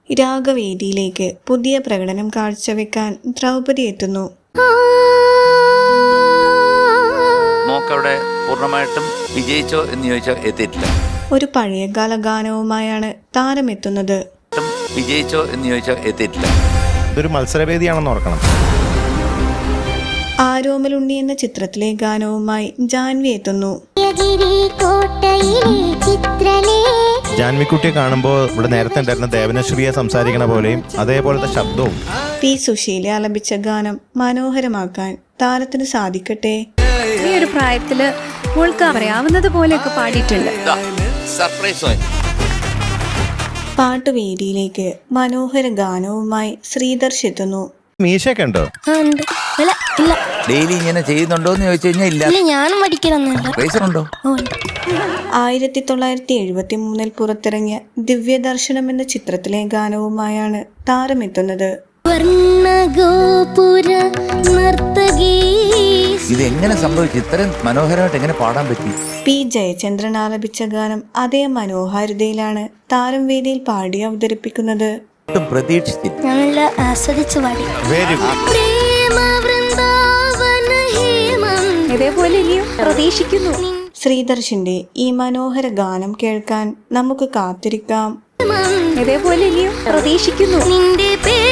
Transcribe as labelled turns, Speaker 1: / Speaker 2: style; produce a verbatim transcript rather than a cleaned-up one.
Speaker 1: രാഗവേദിയിലേക്ക് പുതിയ പ്രകടനം കാഴ്ചവെക്കാൻ ദ്രൗപദി എത്തുന്നു.
Speaker 2: മോക്കവിടെ പൂർണ്ണമായിട്ടും വിജയിച്ചോ എന്ന് ചോദിച്ചാൽ എത്തിയിട്ടില്ല.
Speaker 1: ഒരു പഴയകാല ഗാനവുമായാണ് താരമെത്തുന്നത്.
Speaker 2: വിജയിച്ചോ എന്ന് ചോദിച്ചാൽ എത്തിയിട്ടില്ല.
Speaker 3: ഇതൊരു മത്സരവേദിയാണെന്ന് ഓർക്കണം.
Speaker 1: ആരോമലുണ്ണി എന്ന ചിത്രത്തിലെ ഗാനവുമായി ജാൻവി എത്തുന്നു.
Speaker 3: ജാൻവിക്കുട്ടിയെ കാണുമ്പോൾ ഇവിടെ നേരത്തെ ഉണ്ടായിരുന്ന ദേവനശ്രീയെ സംസാരിക്കണ പോലെയും അതേപോലത്തെ ശബ്ദവും.
Speaker 1: പി സുശീല ആലപിച്ച ഗാനം മനോഹരമാക്കാൻ താരത്തിന് സാധിക്കട്ടെ.
Speaker 4: ഈ ഒരു പ്രായത്തില് മോൾക്ക് അറിയാവുന്നത് പോലെയൊക്കെ പാടിയിട്ടുണ്ട്.
Speaker 1: പാട്ടുവേദിയിലേക്ക് മനോഹര ഗാനവുമായി ശ്രീദർശ് എത്തുന്നു.
Speaker 3: മീശയൊക്കെ ഉണ്ടോ?
Speaker 2: ഡെയിലി ഇങ്ങനെ ചെയ്യുന്നുണ്ടോ എന്ന് ചോദിച്ചു കഴിഞ്ഞാൽ ഇല്ല.
Speaker 5: ഞാനും പഠിക്കണമെന്നുണ്ടോ?
Speaker 1: ആയിരത്തി തൊള്ളായിരത്തി എഴുപത്തി മൂന്നിൽ പുറത്തിറങ്ങിയ ദിവ്യദർശനം എന്ന ചിത്രത്തിലെ ഗാനവുമായാണ് താരമെത്തുന്നത്.
Speaker 2: ഇത് എങ്ങനെ സംഭവിച്ചു? ഇത്രയും മനോഹരമായിട്ട് എങ്ങനെ പാടാൻ പറ്റി?
Speaker 1: പി ജയചന്ദ്രൻ ആലപിച്ച ഗാനം അതേ മനോഹാരിതയിലാണ് താരം വേദിയിൽ പാടി അവതരിപ്പിക്കുന്നത്.
Speaker 5: നല്ല ആസ്വദിച്ചു പാടി.
Speaker 3: Very good.
Speaker 4: ഇതേപോലെ ഇനിയും പ്രതീക്ഷിക്കുന്നു.
Speaker 1: ശ്രീദർശിന്റെ ഈ മനോഹര ഗാനം കേൾക്കാൻ നമുക്ക് കാത്തിരിക്കാം.
Speaker 4: ഇതേപോലെ ഇനിയും പ്രതീക്ഷിക്കുന്നു.